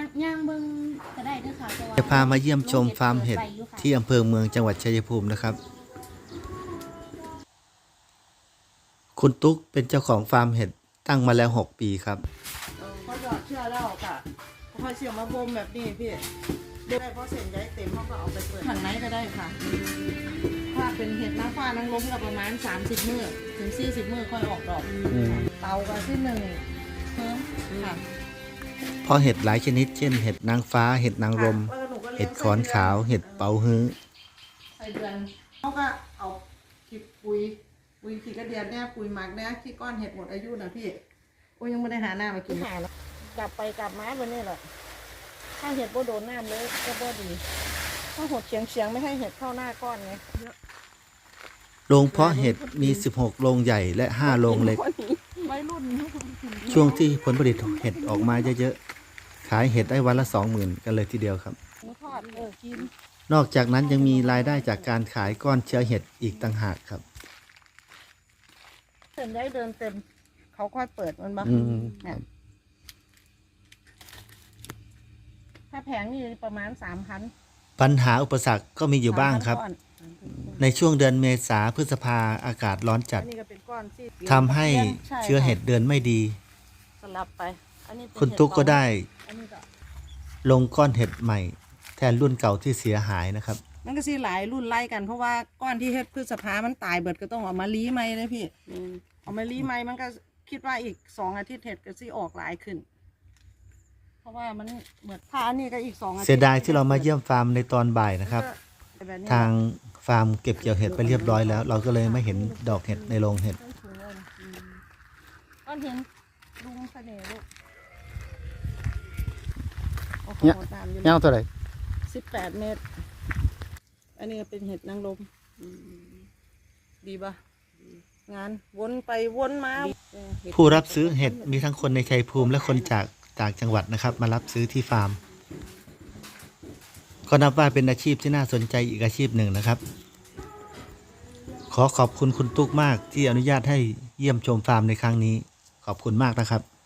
ย่างเบิ่งก็ได้เด้อค่ะเพราะว่าจะพามาเยี่ยมชมฟาร์มเห็ดที่อำเภอเมืองจังหวัดชัยภูมินะครับคุณตุ๊กเป็นเจ้าของฟาร์มเห็ดตั้งมาแล้ว6 ปีครับเขาหยอดเชื่อแล้วค่ะพอเชื่อมาบ่มแบบนี้พี่ได้เพราะเส้นใยเต็มเขาก็เอาไปเปิดข้างในก็ได้ค่ะถ้าเป็นเห็ดนางฟ้านางรมก็ประมาณ30 มื้อถึง40 มื้อค่อยออกดอกเตาก็ที่1เพิ่มค่ะเพราะเห็ดหลายชนิดเช่นเห็ดนางฟ้าเห็ดนางรมเห็ดขอนขาวเห็ดเป๋าฮื้อใส่เดือนเขาก็เอาขี้ปุ๋ยขี้กระเดียดเนี่ยปุ๋ยหมักเนี่ยขี้ก้อนเห็ดหมดอายุนะพี่โอ้ยังไม่ได้หาหน้ามากินหาแล้วกลับไปกลับมาวันนี้แหละถ้าเห็ดโบโดนน้ำเลยก็บ่ดีถ้าหดเฉียงไม่ให้เห็ดเข้าหน้าก้อนไงโรงเพาะเห็ดมี16โรงใหญ่และ5โรงเล็กช่วงที่ผลผลิตเห็ดออกมาเยอะๆขายเห็ดได้วันละ 20,000 กันเลยทีเดียวครับนอกจากนั้นยังมีรายได้จากการขายก้อนเชื้อเห็ดอีกต่างหากครับเดินได้เดินเต็มเขาค่อยเปิดมันบ้างถ้าแผงนี่ประมาณ3,000 ปัญหาอุปสรรคก็มีอยู่บ้างครับในช่วงเดือนเมษาพฤษภาอากาศร้อนจัดทำให้เชื้อเห็ดเดินไม่ดีสลับไปคุณตุ๊กก็ได้ลงก้อนเห็ดใหม่แทนรุ่นเก่าที่เสียหายนะครับมันก็สิหลายรุ่นไล่กันเพราะว่าก้อนที่เห็ดพฤษภามันตายเบิดก็ต้องเอามาลี้ใหม่เลยพี่เอามาลี้ใหม่มันก็คิดว่าอีก2 อาทิตย์เห็ดก็สิออกหลายขึ้นเพราะว่ามันเหมือนผ้านี่ก็อีก2 อาทิตย์เสียดายที่เรามาเยี่ยมฟาร์มในตอนบ่ายนะครับทางฟาร์มเก็บเกี่ยวเห็ดไปเรียบร้อยแล้วเราก็เลยไม่เห็นดอกเห็ดในโรงเห็ดก้อนเห็นลุงเสน่ห์ลูกยาวเท่าไหร่ 18 เมตรอันนี้เป็นเห็ดนางรมดีป่ะงานวนไปวนมาผู้รับซื้อเห็ดมีทั้งคนในชัยภูมิและคนจากต่างจังหวัดนะครับมารับซื้อที่ฟาร์มก็นับว่าเป็นอาชีพที่น่าสนใจอีกอาชีพหนึ่งนะครับขอขอบคุณคุณตุ๊กมากที่อนุญาตให้เยี่ยมชมฟาร์มในครั้งนี้ขอบคุณมากนะครับ